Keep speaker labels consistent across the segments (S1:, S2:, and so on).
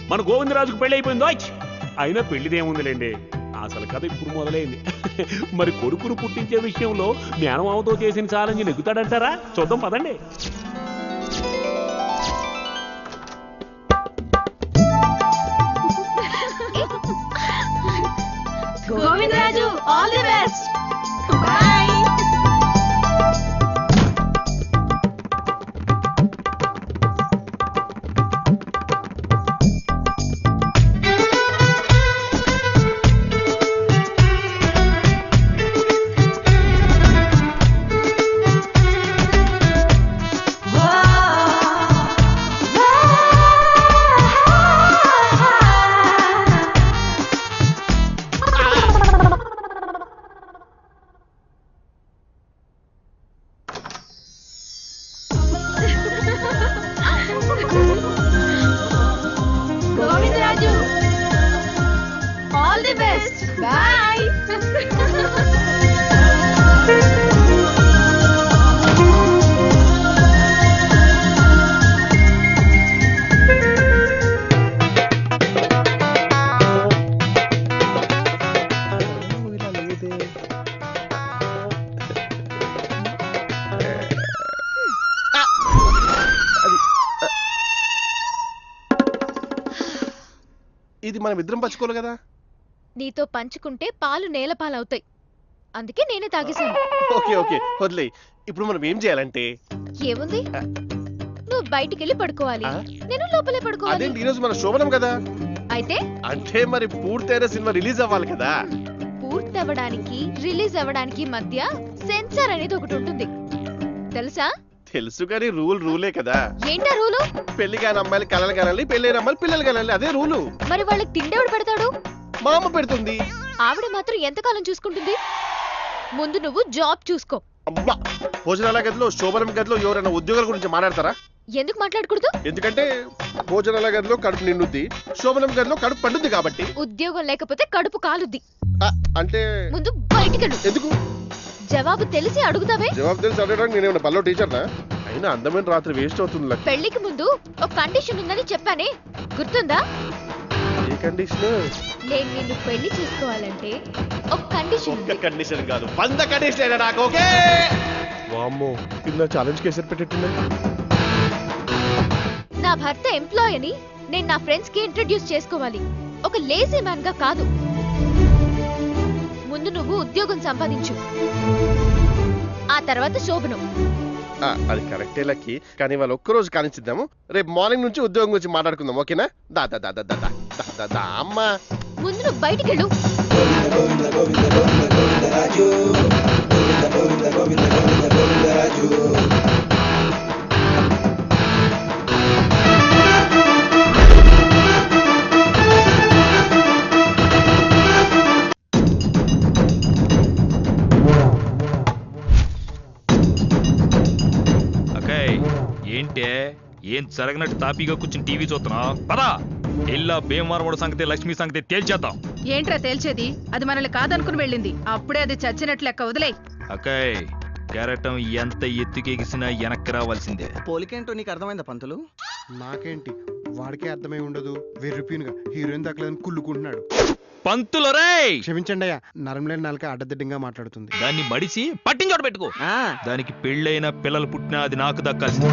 S1: మన గోవిందరాజుకు పెళ్లి అయిపోయిందో అయినా పెళ్లిదేముందిలేండి, అసలు కథ ఇప్పుడు మొదలైంది. మరి కొడుకును పుట్టించే విషయంలో మేనమామతో చేసిన ఛాలెంజ్ నెగ్గుతాడంటారా? చూద్దాం పదండి.
S2: Govindaraju all the best. Bye. Govindaraju all the best. Bye.
S3: ఇది మనం ఇద్దరం పంచుకోవాలి కదా.
S2: నీతో పంచుకుంటే పాలు నేల పాలవుతాయి, అందుకే నేనే తాగేశాను.
S3: ఓకే ఓకే వదిలే. ఇప్పుడు మనం ఏం చేయాలంటే,
S2: ఏముంది, నువ్వు బయటికి వెళ్ళి పడుకోవాలి, నేను లోపలే పడుకోవాలి.
S3: అదేంటి ఈరోజు మన శోభనం కదా.
S2: అయితే
S3: అంటే మరి పూర్తయిన సినిమా రిలీజ్ అవ్వాలి కదా.
S2: పూర్తి అవ్వడానికి రిలీజ్ అవ్వడానికి మధ్య సెన్సార్ అనేది ఒకటి ఉంటుంది, తెలుసా?
S3: తెలుసు కానీ రూలే కదా.
S2: ఏంటా రూలు?
S3: పెళ్లి కాని అమ్మాయిలు కలలు కనాలి, పెళ్లి అమ్మాయిలు పిల్లలు కనాలి, అదే రూలు.
S2: మరి వాళ్ళకి తిండెవడు పెడతాడు?
S3: మా అమ్మ పెడుతుంది.
S2: ఆవిడ మాత్రం ఎంతకాలం చూసుకుంటుంది? ముందు నువ్వు జాబ్ చూసుకో.
S3: అమ్మా, భోజనాల గదిలో శోభనం గదిలో ఎవరైనా ఉద్యోగాల గురించి మాట్లాడతారా?
S2: ఎందుకు మాట్లాడకూడదు?
S3: ఎందుకంటే భోజనాల గదిలో కడుపు నిండుద్ది, శోభనం గదిలో కడుపు పండుద్ది కాబట్టి.
S2: ఉద్యోగం లేకపోతే కడుపు కాలుద్ది.
S3: అంటే
S2: ముందు బయటికెళ్ళు.
S3: ఎందుకు?
S2: జవాబు తెలిసి అడుగుతావే.
S3: జవాబు తెలిసి అడగడానికి నేనేమన్నా బల్లో టీచర్నా? అయినా అందమైన రాత్రి వేస్ట్ అవుతుంది.
S2: పెళ్లికి ముందు ఒక కండిషన్ ఉందని చెప్పానే, గుర్తుందా?
S3: ఏ కండిషన్?
S2: నేను నిన్ను పెళ్లి చేసుకోవాలంటే ఒక కండిషన్ ఉంది.
S3: ఒక్క కండిషన్ కాదు, 100 కండిషన్ నాకు. ఓకే. వామ్మో, కింద ఛాలెంజ్ కేసరి పెట్టేట్టున్నా.
S2: నా భర్త ఎంప్లాయ్ అని నేను నా ఫ్రెండ్స్ కి ఇంట్రడ్యూస్ చేసుకోవాలి, ఒక లేజీ మ్యాన్ గా కాదు. ముందు నువ్వు ఉద్యోగం సంపాదించు, ఆ తర్వాత శోభనం.
S3: అది కరెక్టే లక్కి, కానీ వాళ్ళు ఒక్కరోజు కానిచ్చిద్దాము. రేపు మార్నింగ్ నుంచి ఉద్యోగం గురించి మాట్లాడుకుందాం, ఓకేనా? దా దా దా దా దా దా దా అమ్మా.
S2: ముందు నువ్వు బయటికెళ్ళు.
S4: ఏంటే ఏం జరగనట్టు తాపీగా కూర్చుని టీవీ చూస్తున్నా? పదా ఎల్లా భీమవరముడు సంగతి లక్ష్మి సంగతి తేల్చేద్దాం.
S5: ఏంట్రా తేల్చేది? అది మనల్ని కాదనుకుని వెళ్ళింది, అప్పుడే అది చచ్చినట్లు లెక్క. వదిలే.
S4: అక్కయ్, కెరటం ఎంత ఎత్తుకెగిసినా వెనక్కి రావాల్సిందే.
S6: పోలికేంటో నీకు అర్థమైందా పంతులు?
S7: నాకేంటి, వాడికే అర్థమై ఉండదు. వెర్రిపీనుగా హీరోయిన్ దక్కలేదని కుళ్ళుకుంటున్నాడు.
S4: పంతులు రే,
S7: క్షమించండి అయ్యా, నరంలేని నాలుక అడ్డదిడ్డంగా మాట్లాడుతుంది.
S4: దాన్ని మడిసి పట్టించోట పెట్టుకో. దానికి పెళ్ళైన పిల్లలు పుట్టినా అది నాకు దక్కాల్సింది.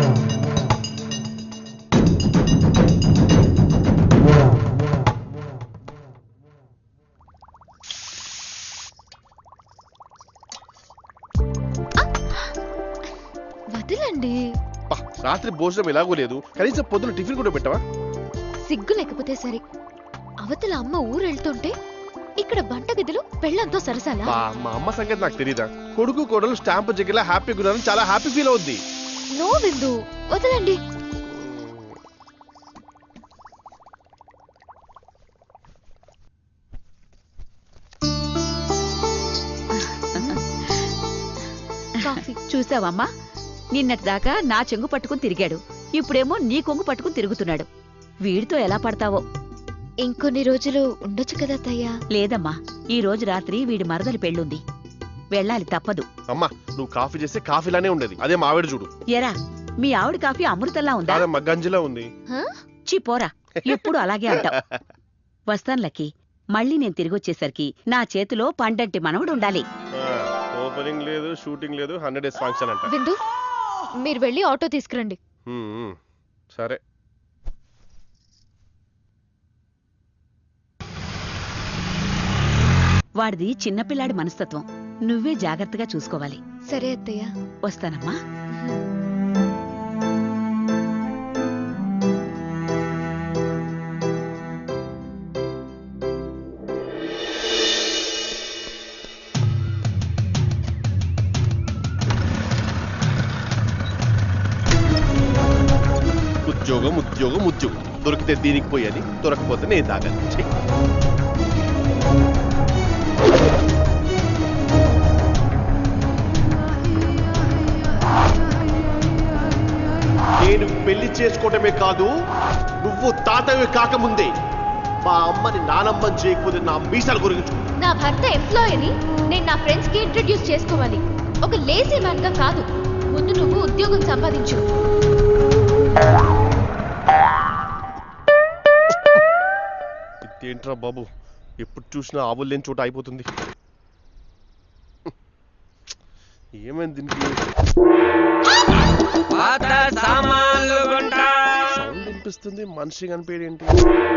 S2: వదిలండి.
S3: రాత్రి భోజనం ఎలాగో లేదు, కనీసం పొద్దున టిఫిన్ కూడా పెట్టవా?
S2: సిగ్గు లేకపోతే సరే, అవతల అమ్మ ఊరు వెళ్తుంటే ఇక్కడ వంటగదిలో పెళ్ళంతో సరసాలా?
S3: మా అమ్మ సంగతి నాకు తెలీదా? కొడుకు కోడలు స్టాంపు జగ్గిలా హ్యాపీగా ఉన్నారని చాలా హ్యాపీ ఫీల్ అవుద్ది.
S2: నో విందు, వదలండి.
S8: చూసావమ్మా, నిన్నటిదాకా నా చెంగు పట్టుకుని తిరిగాడు, ఇప్పుడేమో నీ కొంగు పట్టుకుని తిరుగుతున్నాడు. వీడితో ఎలా పడతావో.
S2: ఇంకొన్ని రోజులు ఉండొచ్చు కదా అత్తయ్య.
S8: లేదమ్మా, ఈ రోజు రాత్రి వీడి మరదలి పెళ్ళుంది, వెళ్ళాలి తప్పదు.
S3: అమ్మా, నువ్వు కాఫీ చేస్తే కాఫీలానే ఉండేది, అదే మావిడ చూడు.
S8: ఎరా, మీ ఆవిడ కాఫీ అమృతంలా ఉందా?
S3: గంజిలా ఉంది.
S8: చి పోరా. ఎప్పుడు అలాగే అంటావు. వస్తాను లక్కీ. మళ్ళీ నేను తిరిగొచ్చేసరికి నా చేతిలో పండంటి మనవడు ఉండాలి.
S3: ఓపెనింగ్ లేదు, షూటింగ్ లేదు, 100 days ఫంక్షన్ అంట.
S2: విందు మీరు వెళ్ళి ఆటో తీసుకురండి.
S3: సరే.
S8: వాడిది చిన్నపిల్లాడి మనస్తత్వం. నువ్వే జాగ్రత్తగా చూసుకోవాలి.
S2: సరే అత్తయ్య.
S8: వస్తానమ్మా.
S3: ఉద్యోగం ఉద్యోగం ఉద్యోగం, దొరికితే దీనికి పోయని, దొరకపోతే నేను తాగాలి. నేను పెళ్లి చేసుకోవటమే కాదు, నువ్వు తాతవి కాకముందే మా అమ్మని నానమ్మని చేయకపోతే నా మీసాల గురించి.
S2: నా భర్త ఎంప్లాయీని నేను నా ఫ్రెండ్స్ కి ఇంట్రడ్యూస్ చేసుకోవాలి, ఒక లేజీ మ్యాన్ గా కాదు. ముందు నువ్వు ఉద్యోగం సంపాదించు.
S3: ఇదేంట్రా బాబు, ఎప్పుడు చూసినా ఆవులు లేని చోట అయిపోతుంది. ఏమైంది దీనికి? సౌండ్ వినిపిస్తుంది, మనిషి కనిపించేది ఏంటి?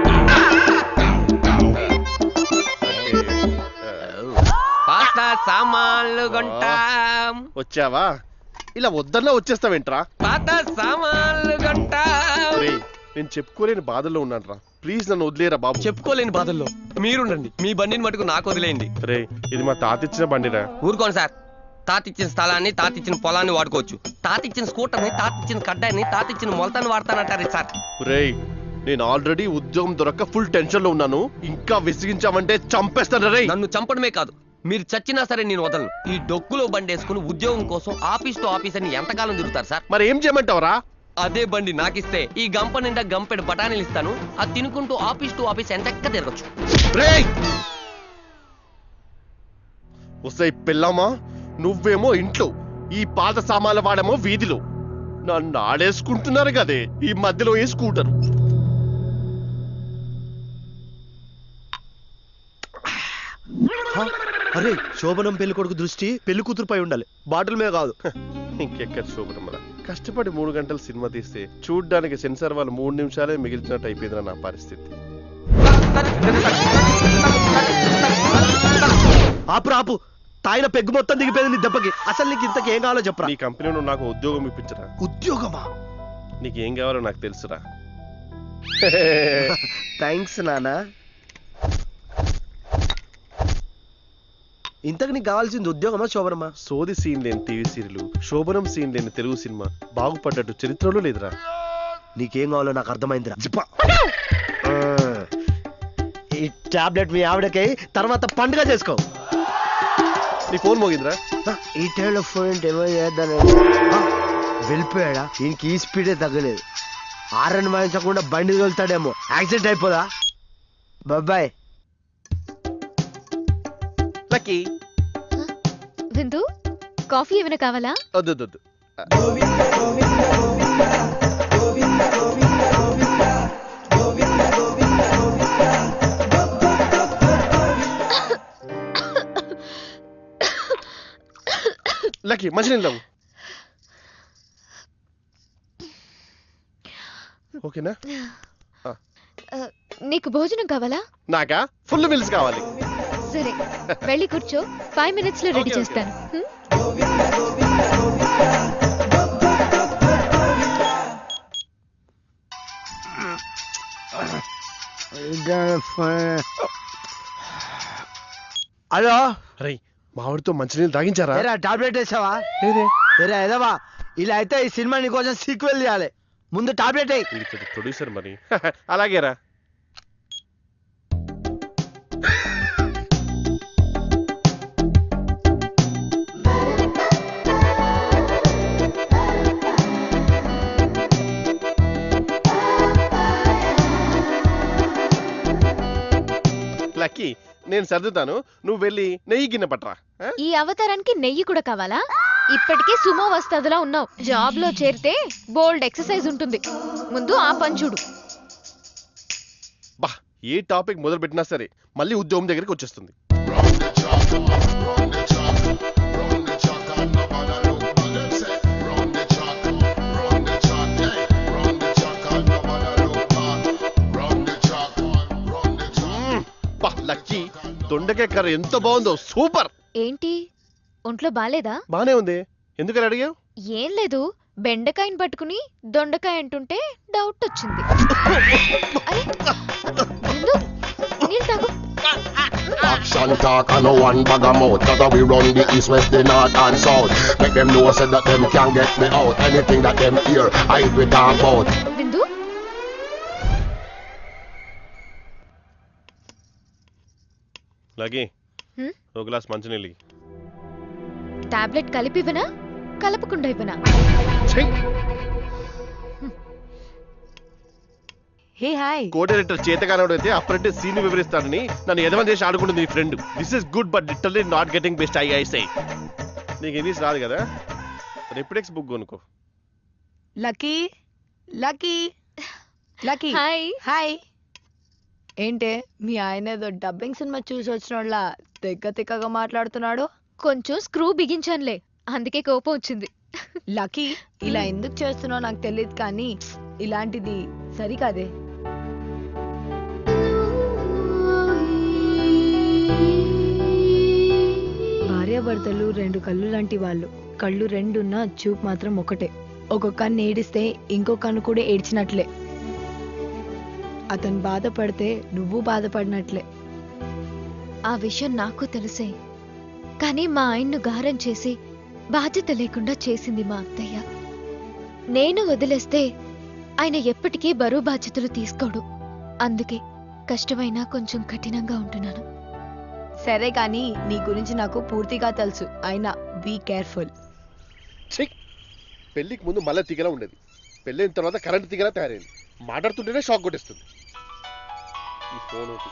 S9: సామాన్లు కొంటాం.
S3: వచ్చావా? ఇలా వద్దన్నా వచ్చేస్తావేంట్రా?
S9: పాత సామాన్లు కొంటాం.
S3: నేను చెప్పుకోలేని బాధల్లో ఉన్నాను రా, ప్లీజ్ నన్ను వదిలేరా బాబు.
S9: చెప్పుకోలేని బాధల్లో మీరుండండి, మీ బండిని మటుకు నాకు వదిలేయండి.
S3: రే, ఇది మా తాతిచ్చిన బండిరా.
S9: ఊరుకోండి సార్. తాతిచ్చిన స్థలాన్ని, తాతిచ్చిన పొలాన్ని వాడుకోవచ్చు. తాతిచ్చిన స్కూటర్ని, తాతిచ్చిన కడ్డాయిని, తాతిచ్చిన మొలతాన్ని వాడతానంటారు సార్.
S3: రే, నేను ఆల్రెడీ ఉద్యోగం దొరక్క ఫుల్ టెన్షన్ లో ఉన్నాను, ఇంకా విసిగించామంటే చంపేస్తాను రే.
S9: నన్ను చంపడమే కాదు, మీరు చచ్చినా సరే నేను వదలను. ఈ డొక్కులో బండి వేసుకుని ఉద్యోగం కోసం ఆఫీస్ తో ఆఫీస్ అని ఎంతకాలం తిరుగుతారు సార్?
S3: మరి ఏం చేయమంటావరా?
S9: అదే బండి నాకిస్తే ఈ గంప నిండా గంపెడు బఠానీలు ఇస్తాను. అది తినుకుంటూ ఆఫీస్ టు ఆఫీస్ ఎంతక్క తిరగచ్చు.
S3: వస్తాయి పిల్లమ్మా, నువ్వేమో ఇంట్లో, ఈ పాత సామాన్లు వాడేమో వీధిలో. నన్ను ఆడేసుకుంటున్నారు కదే ఈ మధ్యలో ఏ స్కూటర్.
S10: అరే, శోభనం పెళ్లి కొడుకు దృష్టి పెళ్లి కూతురుపై ఉండాలి, బాటిల్ మీద కాదు.
S3: ఇంకెక్కడ శోభనం రా, కష్టపడి 3 గంటలు సినిమా తీస్తే చూడ్డానికి సెన్సార్ వాళ్ళు 3 నిమిషాలే మిగిల్చినట్టు అయిపోయిందిరా నా పరిస్థితి.
S10: ఆపు ఆపు, తాయిన పెగ్గు మొత్తం దిగిపోయింది నీ దెబ్బకి. అసలు నీకు ఇంతకు ఏం కావాలో చెప్పరా?
S3: నీ కంపెనీలో నాకు ఉద్యోగం ఇప్పించరా.
S10: ఉద్యోగమా?
S3: నీకేం కావాలో నాకు తెలుసురా.
S10: థ్యాంక్స్ నానా. ఇంతకు నీకు కావాల్సింది ఉద్యోగమా శోభనమా?
S3: సోది సీన్ లేని టీవీ సీరియల్, శోభనం సీన్ లేని తెలుగు సినిమా బాగుపడ్డట్టు చరిత్రలో లేదురా.
S10: నీకేం కావాలో నాకు అర్థమైందిరా. ఈ టాబ్లెట్ మీ ఆవిడకి తర్వాత పండుగ చేసుకో.
S3: నీ ఫోన్ మోగిందిరా.
S10: ఈ టైంలో ఫోన్ ఏమో చేద్దాను. వెళ్ళిపోయాడా? ఈయనకి ఈ స్పీడే తగ్గలేదు. ఆరని వాయించకుండా బండి తోలుతాడేమో, యాక్సిడెంట్ అయిపోదా? బాబాయ్.
S3: లక్కీ,
S2: విందు కాఫీ ఏమైనా కావాలా?
S3: వద్దు. లక్కీ, మంచినీళ్ళు తాగు. ఓకేనా?
S2: నీకు భోజనం కావాలా?
S3: నాకా ఫుల్ మీల్స్ కావాలి.
S2: సరే, వెళ్ళి కూర్చో, 5 minutes లో రెడీ చేస్తాను.
S10: హలో,
S3: అరే మావిడితో మంచినీళ్ళు తాగించారా?
S10: టాబ్లెట్ వేసావా? ఏదవా, ఇలా అయితే ఈ సినిమా నీకోసం సీక్వెల్ చేయాలి. ముందు టాబ్లెట్
S3: ప్రొడ్యూసర్ మరి. అలాగేరా. లక్కీ, నేను సర్దుతాను, నువ్వు వెళ్ళి నెయ్యి గిన్నె పట్టరా.
S2: ఈ అవతారానికి నెయ్యి కూడా కావాలా? ఇప్పటికే సుమో వస్తాదులా ఉన్నావు. జాబ్ లో చేరితే బోల్డ్ ఎక్సర్సైజ్ ఉంటుంది, ముందు ఆ పని చూడు.
S3: బా ఏ టాపిక్ మొదలు పెట్టినా సరే మళ్ళీ ఉద్యోగం దగ్గరికి వచ్చేస్తుంది. లక్కీ దొండకాయ కర్రీ ఎంత బాగుందో, సూపర్.
S2: ఏంటి ఒంట్లో బాలేదా?
S3: బానే ఉంది, ఎందుకని అడిగావు?
S2: ఏం లేదు, బెండకాయని పట్టుకుని దొండకాయ అంటుంటే డౌట్ వచ్చింది. అరే బిందు, నీళ్ళు తాగు.
S11: Action talk and no one bag of mouth. Cause we run the east, west, the north and south. Make them know say that them can't get me out. Anything that them hear, I we talk about.
S2: Bindu,
S3: Lucky
S2: హ్మ్?
S3: ఒక glass మంచినీళ్ళు.
S2: Tablet కలిపి ఇవ్వనా కలపకుండా ఇవ్వనా?
S8: Hey hi.
S3: Co director చేతగానోడు అయితే apprentice scene వివరిస్తాడని నన్ను ఎదవని చేసి ఆడుకుంటుంది నీ friend. This is good but literally not getting best I say. నీకు ఇంగ్లీష్ రాదు కదా, రెప్టెక్స్ బుక్ కొనుక్కో.
S5: Lucky Lucky Lucky
S2: hi.
S5: Hi. ఏంటే మీ ఆయన ఏదో డబ్బింగ్ సినిమా చూసి వచ్చినోళ్ళ తెగ్గగా మాట్లాడుతున్నాడు?
S2: కొంచెం స్క్రూ బిగించానులే, అందుకే కోపం వచ్చింది.
S5: లక్కీ ఇలా ఎందుకు చేస్తున్నావు నాకు తెలియదు, కానీ ఇలాంటిది సరికాదే. భార్యాభర్తలు రెండు కళ్ళు లాంటి వాళ్ళు. కళ్ళు రెండున్నా చూపు మాత్రం ఒకటే. ఒక కన్ను ఏడిస్తే ఇంకో కన్ను కూడా ఏడ్చినట్లే. అతను బాధపడితే నువ్వు బాధపడినట్లే.
S2: ఆ విషయం నాకు తెలుసే, కానీ మా ఆయన్ను గారం చేసి బాధ్యత లేకుండా చేసింది మా అత్తయ్య. నేను వదిలేస్తే ఆయన ఎప్పటికీ బరువు బాధ్యతలు తీసుకోడు. అందుకే కష్టమైనా కొంచెం కఠినంగా ఉంటున్నాను.
S5: సరే కానీ నీ గురించి నాకు పూర్తిగా తెలుసు, అయినా బీ కేర్ఫుల్.
S3: పెళ్లికి ముందు మళ్ళీ తీగలా ఉండేది, పెళ్ళైన తర్వాత కరెంట్ తీగలా తయారైంది. మాట్లాడుతుంటేనే షాక్ కొట్టేస్తుంది. ఈ ఫోన్ ఒకటి.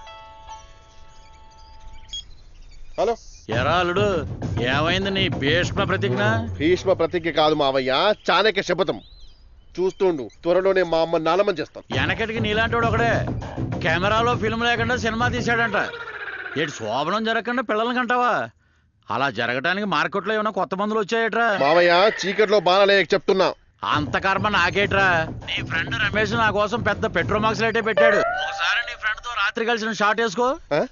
S3: హలో
S12: ఎరా అల్లుడు, ఏమైంది నీ భీష్మ ప్రతిజ్ఞ?
S3: భీష్మ ప్రతిజ్ఞ కాదు మావయ్య, చాణక్య శపథం. చూస్తుండు, త్వరలోనే మా అమ్మ నానమని చేస్తాం.
S12: వెనకటికి నీలాంటి ఒకడే కెమెరాలో ఫిల్మ్ లేకుండా సినిమా తీశాడంట. ఏడు శోభనం జరగకుండా పిల్లల్ని కంటావా? అలా జరగటానికి మార్కెట్లో ఏమైనా కొత్త మందులు వచ్చాయట్రా?
S3: మావయ్య చీకట్లో బాణాలే చెప్తున్నా.
S12: అంత కర్మ నాకేట్రా? నీ ఫ్రెండ్ రమేష్ నా కోసం పెద్ద పెట్రోల్ మార్క్స్ లైటే పెట్టాడు. ఒకసారి నీ ఫ్రెండ్ తో రాత్రి కలిసిన షాట్ వేసుకో.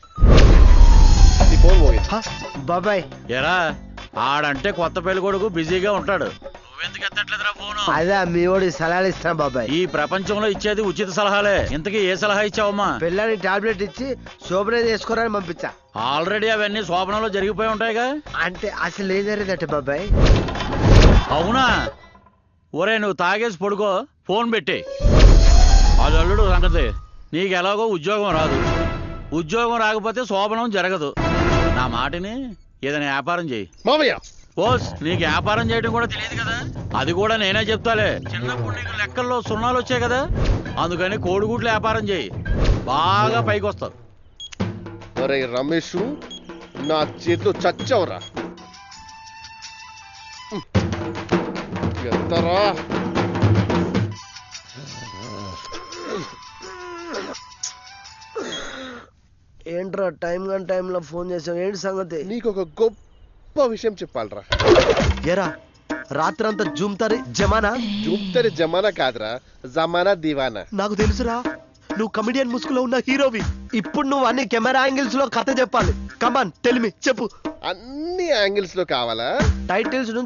S10: బాబాయ్
S12: ఎరా, ఆడంటే కొత్త పెళ్లి కొడుకు బిజీగా ఉంటాడు, నువ్వెందుకు ఎత్తట్లేదురా ఫోను?
S10: అదే మీ వాడి సలహాలు ఇస్తాను బాబాయ్.
S12: ఈ ప్రపంచంలో ఇచ్చేది ఉచిత సలహాలే. ఇంతకీ ఏ సలహా ఇచ్చావమ్మా?
S10: పిల్లని టాబ్లెట్ ఇచ్చి శోభన చేసుకోరని పంపించా.
S12: ఆల్రెడీ అవన్నీ శోభనంలో జరిగిపోయి ఉంటాయిగా.
S10: అంటే అసలు ఏం జరిగిందట బాబాయ్?
S12: అవునా? ఒరే నువ్వు తాగేసి పడుకో, ఫోన్ పెట్టి. అది అల్లుడు సంగతి. నీకు ఎలాగో ఉద్యోగం రాదు, ఉద్యోగం రాకపోతే శోభనం జరగదు. నా మాటని ఏదైనా వ్యాపారం చేయి.
S3: మావయ్య
S12: ఓస్, నీకు వ్యాపారం చేయడం కూడా తెలియదు కదా, అది కూడా నేనే చెప్తాలే. చిన్నప్పుడు నీకు లెక్కల్లో సున్నాలు వచ్చాయి కదా, అందుకని కోడిగుడ్ల వ్యాపారం చేయి, బాగా పైకి వస్తావు.
S3: ఒరే రమేష్, నా చేతిలో చచ్చవరా. ఎంతరా
S10: ఏంట్రా టైం కానీ టైంలో ఫోన్ చేసావు, ఏంటి సంగతి?
S3: నీకు ఒక గొప్ప విషయం చెప్పాలరా.
S10: ఎరా రాత్రంతా జూమ్తారి జమానా?
S3: జూమ్తరి జమానా కాదురా, జమానా దివానా.
S10: నాకు తెలుసురా, నువ్వు కమెడియన్ ముసుగులో ఉన్న హీరోవి. ఇప్పుడు నువ్వు అన్ని కెమెరా యాంగిల్స్ లో కథ చెప్పాలి. కమాన్ టెల్ మీ, చెప్పు.
S3: అన్ని యాంగిల్స్ లో కావాలా?
S10: టైటిల్స్